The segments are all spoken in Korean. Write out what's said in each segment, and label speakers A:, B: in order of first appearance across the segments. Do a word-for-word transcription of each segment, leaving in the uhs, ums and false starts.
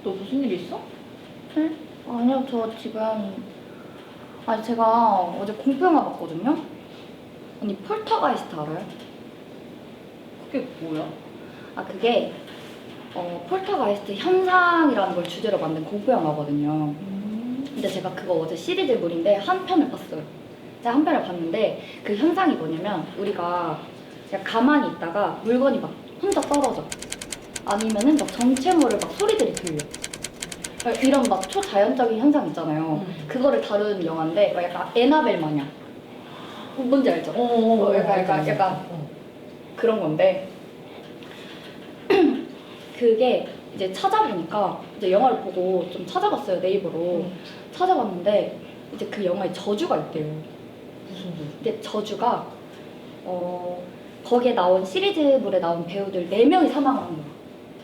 A: 너 무슨 일 있어?
B: 네? 아니요, 저 지금 아니 제가 어제 공포 영화 봤거든요. 언니 폴터가이스트 알아요?
A: 그게 뭐야?
B: 아 그게 어 폴터가이스트 현상이라는 걸 주제로 만든 공포 영화거든요.
A: 음.
B: 근데 제가 그거 어제 시리즈물인데 한 편을 봤어요. 제가 한 편을 봤는데 그 현상이 뭐냐면 우리가 그냥 가만히 있다가 물건이 막 혼자 떨어져. 아니면은 막 정체모를 막 소리들이 들려. 이런 막 초자연적인 현상 있잖아요.
A: 음.
B: 그거를 다루는 영화인데 막 약간 에나벨 마냥. 뭔지 알죠?
A: 어, 어,
B: 어, 약간, 약간,
A: 알지, 알지.
B: 약간
A: 어.
B: 그런 건데 그게 이제 찾아보니까 이제 영화를 보고 좀 찾아봤어요, 네이버로.
A: 음.
B: 찾아봤는데 이제 그 영화에 저주가 있대요.
A: 무슨 소리?
B: 근데 저주가 어 거기에 나온 시리즈물에 나온 배우들 네 명이 사망을 한 거야.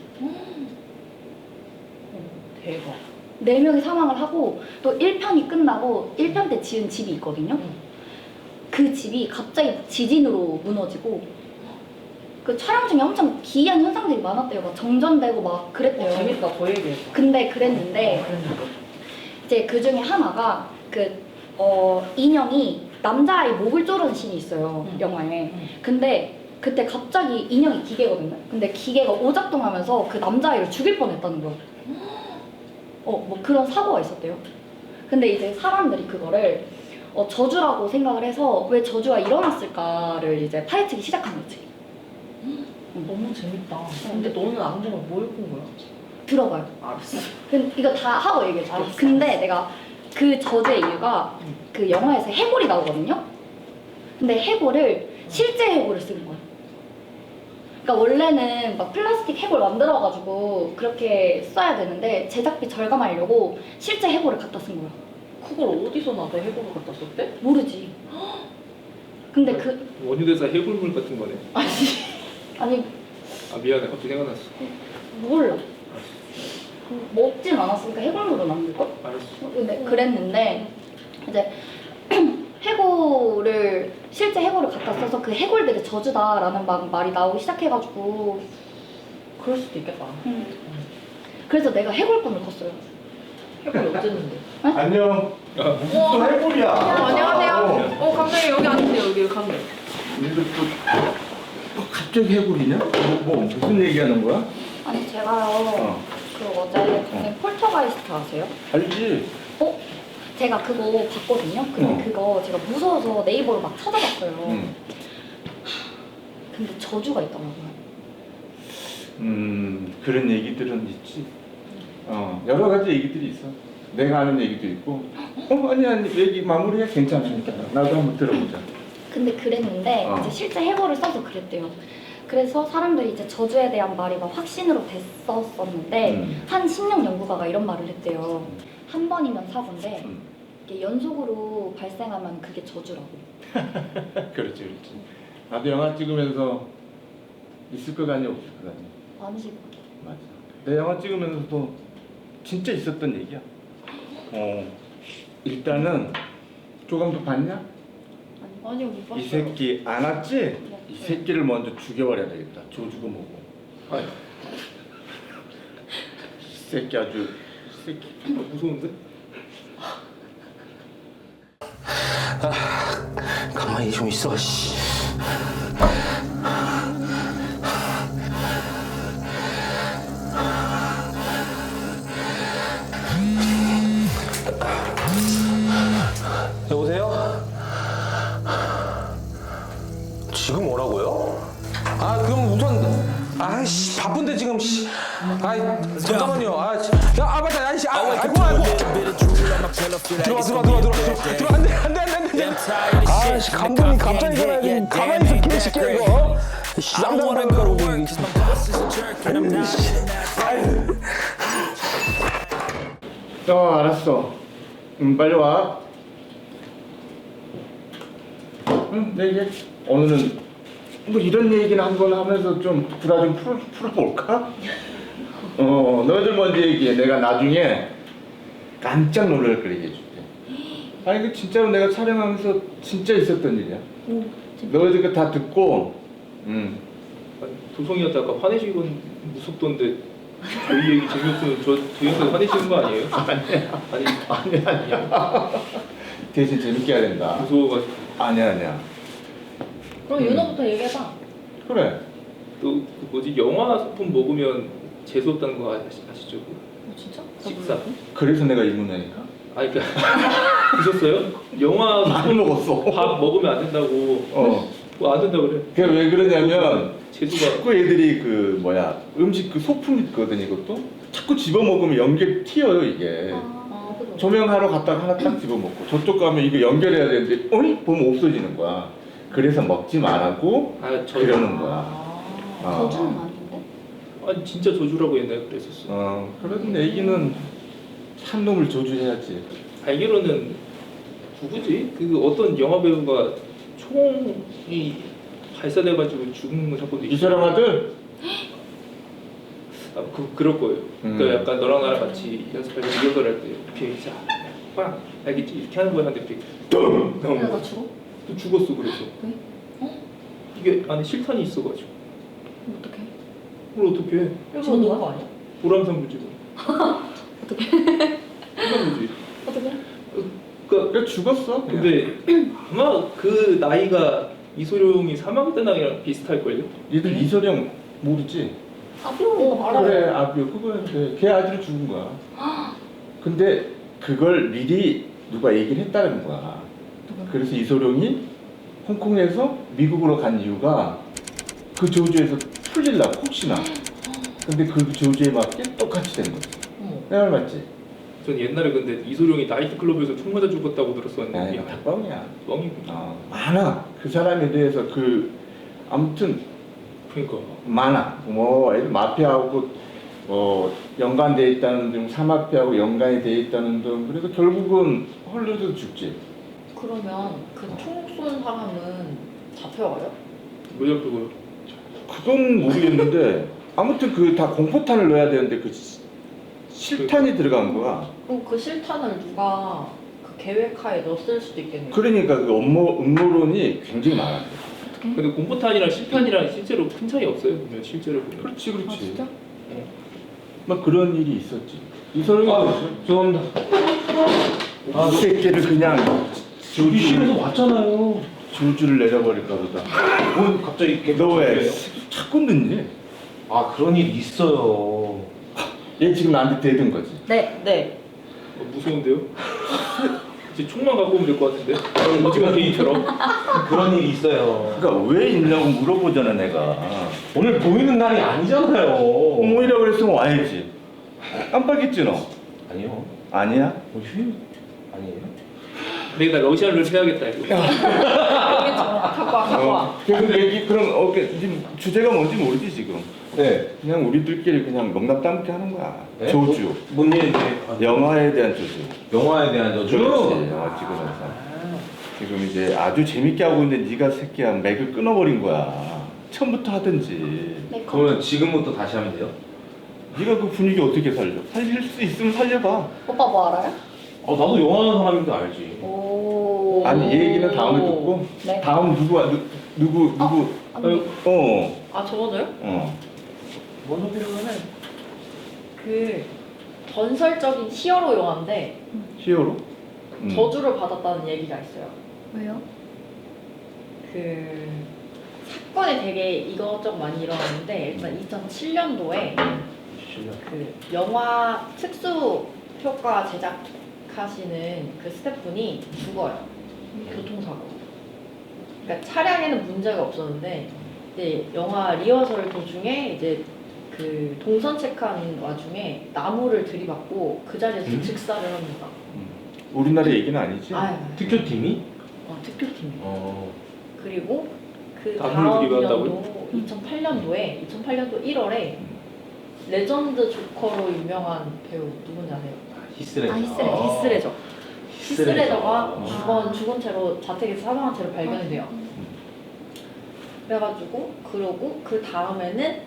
A: 대박.
B: 네 명이 사망을 하고 또 일 편이 끝나고 일 편 때 지은 집이 있거든요.
A: 응.
B: 그 집이 갑자기 지진으로 무너지고 그 촬영 중에 엄청 기이한 현상들이 많았대요. 막 정전되고 막 그랬대요.
A: 어, 재밌다. 더 얘기해.
B: 근데 그랬는데
A: 어, 그랬는데.
B: 이제 그 중에 하나가 그 어, 인형이 남자아이 목을 조르는 씬이 있어요.
A: 응.
B: 영화에.
A: 응.
B: 근데 그때 갑자기 인형이 기계거든요. 근데 기계가 오작동하면서 그 남자아이를 죽일 뻔했다는 거야. 어, 뭐 그런 사고가 있었대요. 근데 이제 사람들이 그거를 어, 저주라고 생각을 해서 왜 저주가 일어났을까를 이제 파헤치기 시작한 거지.
A: 너무 재밌다. 근데 너는 안 보면 뭐 읽은 거야?
B: 들어봐요.
A: 알았어.
B: 근 이거 다 하고 얘기해줄게.
A: 알았어,
B: 근데
A: 알았어.
B: 내가 그 저주의 이유가
A: 응.
B: 그 영화에서 해골이 나오거든요. 근데 해골을 실제 해골을 쓰는 거야. 그러니까 원래는 막 플라스틱 해골 만들어가지고 그렇게 써야 되는데 제작비 절감하려고 실제 해골을 갖다 쓴 거야.
A: 그걸 어디서 나도 해보고 갖다 썼대?
B: 모르지. 근데 그
C: 원효대사 해골물 같은 거네.
A: 아니.
B: 아니
C: 아 미안해 갑자기 생각났어.
B: 몰라. 먹진 않았으니까 해골물로 만들걸?
C: 알았어.
B: 근데 그랬는데 이제 해골을 실제 해골을 갖다 써서 그 해골들의 저주다라는 막 말이 나오기 시작해가지고
A: 그럴 수도 있겠다.
B: 음. 그래서 내가 해골꿈을 꿨어요.
A: 해골이 어쨌는데?
D: 안녕.
C: 아,
D: 무슨 또 해골이야?
A: 어, 안녕하세요. 어, 감독님 여기 앉으세요. 여기 감독님.
D: 근데 또 뭐 갑자기 해골이냐? 뭐, 뭐 무슨 얘기하는 거야?
B: 아니 제가요
D: 어.
B: 그 어제 선생님 폴터가이스트 아세요?
D: 알지?
B: 어? 제가 그거 봤거든요. 근데
D: 어.
B: 그거 제가 무서워서 네이버로 막 찾아봤어요.
D: 응.
B: 근데 저주가 있더라고요.
D: 음 그런 얘기들은 있지. 어 여러 가지 얘기들이 있어. 내가 아는 얘기도 있고. 어 아니 아니 얘기 마무리해 괜찮아. 나도 한번 들어보자.
B: 근데 그랬는데
D: 어.
B: 이제 실제 해골을 써서 그랬대요. 그래서 사람들이 이제 저주에 대한 말이 막 확신으로 됐었었는데
D: 음.
B: 한 심령 연구가가 이런 말을 했대요. 한 번이면 사고인데
D: 음.
B: 이게 연속으로 발생하면 그게 저주라고.
D: 그렇지 그렇지. 나도 영화 찍으면서 있을 것 같니 없을 것 같니?
B: 많으시고.
D: 맞아. 내 영화 찍으면서도 진짜 있었던 얘기야. 어. 일단은 조감도 봤냐?
A: 아니요, 못 봤어요.
D: 이 새끼 안 왔지? 이 새끼를 먼저 죽여버려야 되겠다. 조주고 뭐고.
C: 아이,
D: 이 새끼 아주 이 새끼.
C: 어, 무서운데?
E: 가만히 좀 있어, 씨. 여보세요? 지금 뭐라고요? 아, 그럼 우선 아이씨 바쁜데 지금 씨. 아이 잠깐만요. 아, 씨. 야, 아 맞다. 아이씨. 아, 아이고 아이고. 들어와 들어와 들어와 들어와. 들어와 안돼 안돼 안돼 안돼. 아이씨 감독님 갑자기 전화해. 가만히 있어 개새끼야 이거. 씨 쌍쌍쌍 거리고 이게.
D: 어 알았어. 음 빨리 와. 응 내게 오늘은 뭐 이런 얘기는 한번 하면서 좀 부담 좀 풀어 풀어볼까? 어 너희들 먼저 얘기해. 내가 나중에 깜짝 놀랄 걸 얘기해줄게. 아니 그 진짜로 내가 촬영하면서 진짜 있었던 일이야.
B: 오, 진짜.
D: 너희들 그 다 듣고, 음
C: 아니, 도성이한테 아까 화내시곤 무섭던데 저희 얘기 재미없으면 저 저희한테 화내시는 거 아니에요?
D: 아니야.
C: 아니
D: 아니야 아니야. 대신 재밌게 해야 된다.
C: 무서워가지고.
D: 아니야 아니야.
B: 그럼 윤호부터 얘기해봐.
D: 그래.
C: 또그 뭐지 영화 소품 먹으면 재수 없다는 거 아시, 아시죠?
B: 어, 진짜?
C: 식사.
D: 그래서 내가 이문회니까.
C: 아니 그러니까 드셨어요? 영화
D: 많이 먹었어.
C: 밥 먹으면 안 된다고.
D: 어.
C: 뭐 안 된다 그래.
D: 그게 왜 그러냐면
C: 재수가.
D: 자꾸 애들이 그 뭐야 음식 그 소품 있거든 이것도 자꾸 집어 먹으면 연결 튀어요 이게.
B: 아, 그죠.
D: 조명하러 갔다가 하나 딱 집어 먹고 저쪽 가면 이거 연결해야 되는데 어이 보면 없어지는 거야. 그래서 먹지 말라고
C: 아 저.
D: 그러는 거야.
B: 아,
D: 아.
B: 저주는 아닌데?
C: 아니 진짜 저주라고 옛날에 그랬었어.
D: 어 그런 애기는 한 놈을 조주해야지.
C: 알기로는 누구지? 그 어떤 영화 배우가 총이 발사돼가지고 죽은 사건도
D: 이
C: 있어.
D: 사람 아들?
C: 아, 그 그럴 거예요.
D: 음.
C: 그러니까 약간 너랑 나랑 같이 연습할 때 리허설 할때 이렇게 자, 빵 알겠지? 이렇게 하는 거야. 근데 이렇게 뚱
B: 내가
C: 나오는
B: 나
C: 거.
B: 죽어?
C: 또 죽었어 그래서.
B: 왜? 어?
C: 이게 안에 실탄이 있어가지고.
B: 그럼 어떡해?
C: 그걸 어떻게 해?
A: 이거 넣은 거 아니야?
C: 보람산 부지고.
B: 어떡해?
C: 그런 거지.
B: 어떡해?
C: 그러니까
D: 그래 죽었어. 그냥.
C: 근데 아마 그 나이가 이소룡이 사망했던 나이랑 비슷할걸요?
D: 얘들 이소룡 모르지?
B: 아비오
A: 어, 알아요.
D: 그래 아비오 그거야 그래. 걔 아들이 죽은 거야. 근데 그걸 미리 누가 얘기를 했다는 거야. 그래서 이소룡이 홍콩에서 미국으로 간 이유가 그 저주에서 풀릴라고 혹시나. 근데 그 저주에 맞게 똑같이 된 거지.
A: 어머.
D: 내 말 맞지?
C: 전 옛날에 근데 이소룡이 나이트클럽에서 총 맞아 죽었다고
D: 야
C: 들었었는데
D: 이거 다 뻥이야.
C: 뻥이구나.
D: 어, 많아. 그 사람에 대해서 그 아무튼
C: 그러니까
D: 많아. 뭐 애들 마피아하고 뭐 연관돼 있다는 등 사마피아하고 연관이 돼 있다는 등 그래서 결국은 헐려서 죽지.
A: 그러면 그 총 쏜 사람은 잡혀와요?
C: 왜 잡히고요?
D: 그건 모르겠는데 아무튼 그 다 공포탄을 넣어야 되는데 그 시- 실탄이 들어간 거야.
A: 그럼 그 실탄을 누가 그 계획하에 넣었을 수도 있겠네요.
D: 그러니까 그 음모 음모론이 굉장히 많아.
C: 근데 공포탄이랑 실탄이랑 실제로 큰 차이 없어요. 보면 실제로 보면.
D: 그렇지 그렇지.
A: 아 진짜?
D: 막 그런 일이 있었지. 이소룡이
E: 아 죄송합니다.
D: 아, 이 새끼를 그냥
E: 저기 실에서 왔잖아요.
D: 줄줄을 내려버릴까 보다.
E: 뭐 갑자기 이렇게
D: 너 왜
E: 그래요?
D: 자꾸 늦니?
E: 아 그런 일 있어요.
D: 얘 지금 나한테 대든 거지.
A: 네. 네.
C: 어, 무서운데요? 이제 총만 갖고 오면 될 것 같은데? 오징어 게임처럼.
E: 그런 일 있어요.
D: 그러니까 왜 있냐고 물어보잖아 내가.
E: 오늘 보이는 날이 아니잖아요.
D: 어머니라 그랬으면 와야지. 깜빡했지 너?
E: 아니요.
D: 아니야?
E: 뭐 휴 아니에요?
C: 내가 러시아를 해야겠다 이거.
A: 갖고 와, 갖고 와.
D: 어. 그래서 얘기 그럼 어, 그, 지금 주제가 뭔지 모르지 지금.
E: 네.
D: 그냥 우리들끼리 그냥 농담 따먹게 하는 거야.
E: 네?
D: 저주.
E: 뭐, 뭔 일인지. 아,
D: 영화에 대한 저주.
E: 영화에 대한 저주.
D: 그렇지. 영화 찍으면서. 지금 이제 아주 재밌게 하고 있는데 네가 새끼야 맥을 끊어버린 거야. 처음부터 하든지.
B: 네,
E: 그러면 지금부터 다시 하면 돼요?
D: 네가 그 분위기 어떻게 살려? 살릴 수 있으면 살려봐.
B: 오빠 뭐 알아요?
E: 아 나도 영화 하는 사람인데 알지.
B: 오.
D: 아니 이 얘기는 다음에 듣고.
B: 네.
D: 다음 누구 누, 누구 누구?
B: 아니,
D: 어.
A: 아 저거요?
D: 어.
A: 뭔 소리로는 그 전설적인 히어로 영화인데
D: 히어로? 음.
A: 저주를 받았다는 얘기가 있어요.
B: 왜요?
A: 그 사건이 되게 이것저것 많이 일어났는데 일단 이천칠 년도에
E: 실력.
A: 그 영화 특수 효과 제작하시는 그 스태프분이 죽어요. 교통사고. 그러니까 차량에는 문제가 없었는데 이제 영화 리허설 도중에 이제 그 동선 체크하는 와중에 나무를 들이받고 그 자리에서
D: 음?
A: 즉사를 합니다.
D: 우리나라 얘기는 아니지?
A: 아유,
E: 특효팀이?
A: 어, 특효팀.
E: 어.
A: 그리고 그
C: 나무를
A: 다음
C: 들이받았다고요?
A: 년도 이천팔 년도에 이천팔 년도 일월에 레전드 조커로 유명한 배우 누군지 아세요?
E: 히스레저.
B: 아, 히스레저.
A: 네, 히스레저. 히스레저가
E: 어.
A: 죽은 죽은 채로 자택에서 사망한 채로 발견이 돼요. 그래가지고 그러고 그 다음에는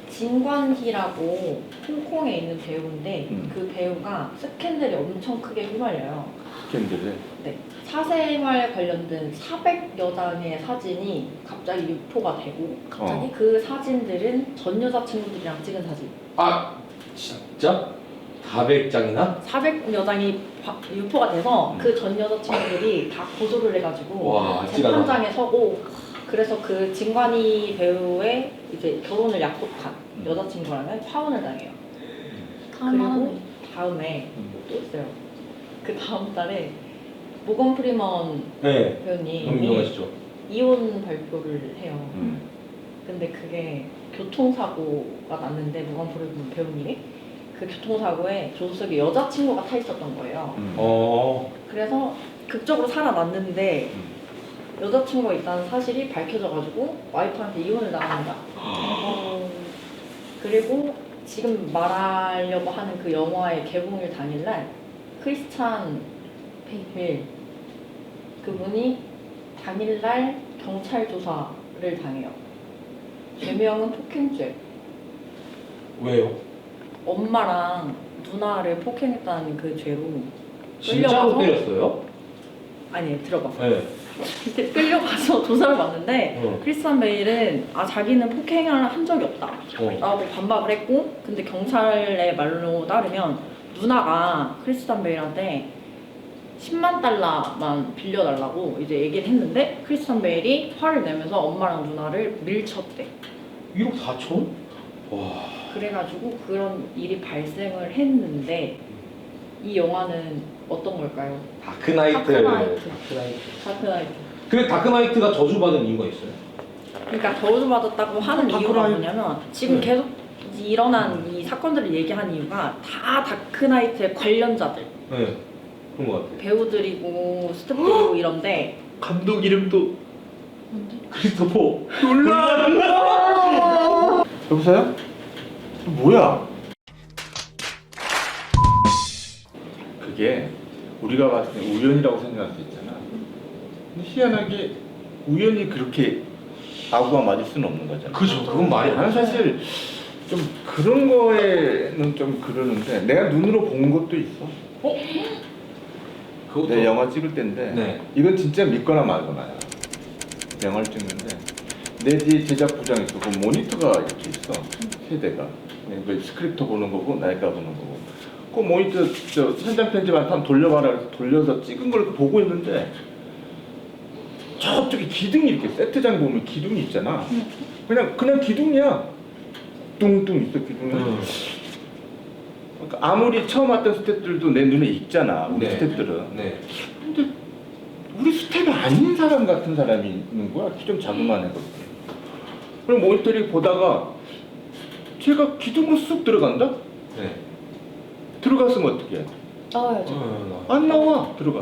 A: 진관희라고 홍콩에 있는 배우인데
D: 음.
A: 그 배우가 스캔들이 엄청 크게 휘말려요.
D: 캔들에.
A: 네. 사생활 관련된 사백여 장의 사진이 갑자기 유포가 되고 갑자기
D: 어.
A: 그 사진들은 전 여자친구들이랑 찍은 사진.
E: 아 진짜? 사백 장이나?
A: 사백 여장이 바- 유포가 돼서 그 전 여자친구들이 다 고소를 해가지고
E: 와, 찌라다.
A: 재판장에 서고 그래서 그 진관이 배우의 이제 결혼을 약속한 여자친구랑은 파혼을 당해요. 그리고 다음에 또 있어요. 그 다음 달에 모건 프리먼
E: 네. 너무
A: 배우님이
E: 유명하시죠?
A: 이혼 발표를 해요.
D: 음.
A: 근데 그게 교통사고가 났는데 모건 프리먼 배우님이 그 교통사고에 조수석에 여자친구가 타 있었던 거예요.
D: 음.
E: 어.
A: 그래서 극적으로 살아났는데
D: 음.
A: 여자친구가 있다는 사실이 밝혀져가지고 와이프한테 이혼을 당합니다. 어, 그리고 지금 말하려고 하는 그 영화의 개봉일 당일날 크리스찬 베일 그분이 당일날 경찰 조사를 당해요. 죄명은 폭행죄.
E: 왜요?
A: 엄마랑 누나를 폭행했다는 그 죄로
E: 진짜로
A: 끌려가서-
E: 때렸어요?
A: 아니 들어봐.
E: 네.
A: 그때 끌려가서 조사를 받는데
E: 어.
A: 크리스찬 베일은 아 자기는 폭행을 한 적이 없다
E: 어.
A: 라고 반박을 했고 근데 경찰의 말로 따르면 누나가 크리스찬 베일한테 십만 달러만 빌려달라고 이제 얘기를 했는데 크리스찬 베일이 화를 내면서 엄마랑 누나를 밀쳤대.
E: 일억 사천? 와.
A: 그래가지고 그런 일이 발생을 했는데 이 영화는 어떤 걸까요?
E: 다크나이트.
A: 다크나이트.
E: 다크나이트.
A: 다크나이트.
E: 근데 다크나이트가 저주받은 이유가 있어요?
A: 그러니까 저주받았다고 하는
D: 다크나이트.
A: 이유가 뭐냐면 지금
E: 네.
A: 계속 일어난 이 사건들을 얘기한 이유가 다 다크나이트의 관련자들
E: 네. 그런 것 같아요.
A: 배우들이고 스태프들이고 이런데
C: 감독 이름도
E: 크리스토퍼.
D: 여보세요? 뭐야? 그게 우리가 봤을 때 우연이라고 생각할 수 있잖아. 근데 희한하게 우연히 그렇게 아구가 맞을 수는 없는 거잖아.
E: 그죠. 그건 말이 안
D: 나는 사실 좀 그런 거에는 좀 그러는데 내가 눈으로 본 것도 있어.
E: 그것도.
D: 내 영화 찍을 때인데
E: 네.
D: 이건 진짜 믿거나 말거나야. 영화를 찍는데 내 뒤에 제작 부장이 있어. 그 모니터가 이렇게 있어. 세대가. 그 스크립트 보는 거고 나이가 보는 거고. 그 모니터 저 현장 편집한 번 돌려봐라 그래서 돌려서 찍은 걸 보고 있는데 저쪽에 기둥이 이렇게 세트장 보면 기둥이 있잖아. 그냥 그냥 기둥이야. 뚱뚱 있어 기둥이.
E: 음.
D: 그러니까 아무리 처음 왔던 스태프들도 내 눈에 익잖아. 우리
E: 네.
D: 스태프들은.
E: 네.
D: 근데 우리 스텝이 아닌 사람 같은 사람이 있는 거야. 키 좀 자그만 해서. 그럼 모니터링 보다가 제가 기둥으로 쑥 들어간다?
E: 네.
D: 들어갔으면 어떻게 해?
B: 나와야죠.
E: 어,
D: 안 나와. 들어갔어.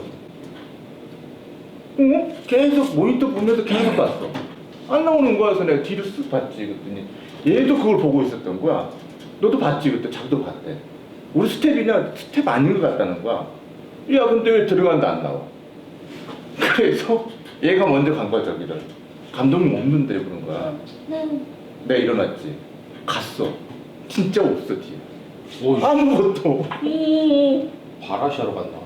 D: 어? 계속 모니터 보면서 계속 봤어. 안 나오는 거야. 그래서 내가 뒤를 쓱 봤지. 그랬더니 얘도 그걸 보고 있었던 거야. 너도 봤지. 그때 자기도 봤대. 우리 스텝이냐? 스텝 아닌 것 같다는 거야. 야 근데 왜 들어간다 안 나와? 그래서 얘가 먼저 간 거야 저기를. 감독님 없는데 그런 거야. 내가 일어났지. 갔어. 진짜 없어 뒤에.
E: 오,
D: 아무것도.
E: 바라시하러 갔나?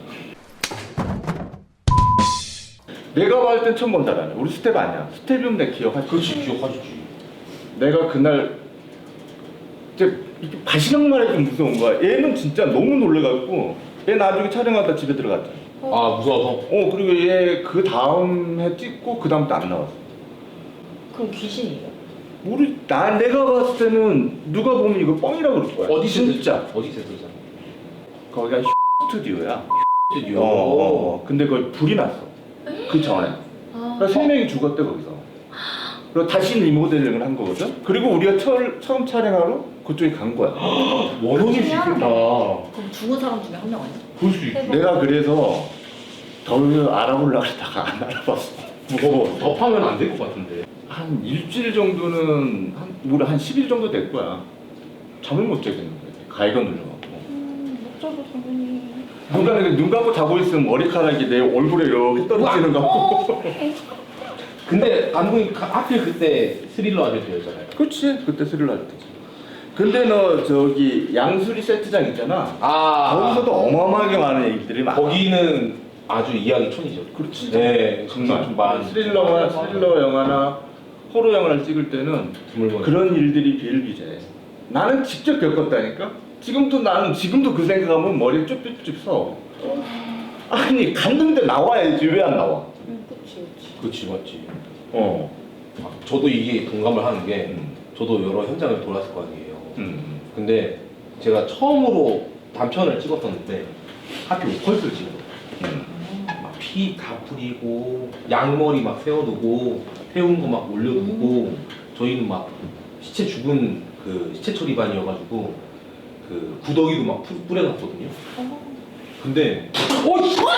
D: 내가 봤을 땐 처음 본 사람이야. 우리 스텝 아니야. 스텝이면 내가 기억하지.
E: 그렇지, 기억하시지.
D: 내가 그날 이제 이렇게 바시락만 해도 무서운 거야. 얘는 진짜 너무 놀래갖고 얘 나중에 촬영하다 집에 들어갔잖아.
E: 아, 무서워서?
D: 어 그리고 얘 그 다음 해 찍고 그 다음부터 안 나왔어.
A: 그럼 귀신이에요?
D: 우리 나 내가 봤을 때는 누가 보면 이거 뻥이라고 그럴 거야.
E: 어디
D: 진짜?
E: 어디 세트잖아?
D: 거기가 스튜디오야.
E: 스튜디오.
D: 어, 어, 어. 근데 거기 불이 났어. 그 전에. 그러니까 세 명이 죽었대 거기서. 그리고 다시 리모델링을 한 거거든. 그리고 우리가 처, 처음 촬영하러 그쪽에 간 거야.
E: 원혼일 수 있겠다.
A: 그럼 죽은 사람 중에 한 명 아니야?
E: 볼 수 있어.
D: 내가 그래서 더 알아보려고 하다가 안 알아봤어. 무거워.
E: 덮하면 안 될 것 같은데.
D: 한 일주일 정도는 한 우리 한 십 일 정도 될 거야. 잠을 못 자겠는 거야. 가위가 눌려갖고.
A: 음, 못 자고 당연히.
D: 누가 이렇게 눈 감고 자고 있으면 머리카락이 내 얼굴에 이렇게 떨어지는 거 같고.
E: 근데 감독님 가- 하필 그때 스릴러 하실 때였잖아요.
D: 그렇지. 그때 스릴러 할 때지. 근데 너 저기 양수리 세트장 있잖아.
E: 아,
D: 거기서도 어마어마하게 많은 얘기들이 많아.
E: 거기는 아주 이야기 천이죠.
D: 그렇지.
E: 네,
D: 정말
E: 좀 많은
D: 스릴러나 스릴러 영화나 호러 영화를 찍을 때는
E: 드물머니.
D: 그런 일들이 비일비재. 나는 직접 겪었다니까. 지금도 나는 지금도 그 생각하면 머리 쭈뼛쭈뼛 서. 아니 갔는데 나와야지 왜 안 나와?
A: 응, 그치, 그치.
E: 그렇지 맞지.
D: 어.
E: 아, 저도 이게 동감을 하는 게
D: 음.
E: 저도 여러 현장을 돌았을 거 아니에요.
D: 음.
E: 근데 제가 처음으로 단편을 찍었었는데 하필 오컬트를 찍은 거예요.
D: 음.
E: 막 피 다 뿌리고 양머리 막 세워두고 태운 거 막 올려두고 저희는 막 시체 죽은 그 시체 처리반이어가지고 그 구더기도 막 뿌- 뿌려놨거든요. 근데 어 씨!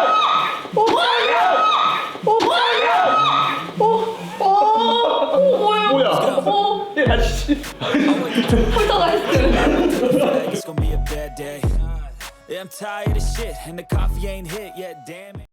D: 뭐야?
B: 어,
D: 야 씨.
B: 폴터가이스트.
F: It's gonna be a bad day. Yeah, I'm tired of shit, and the coffee ain't hit yet, damn it.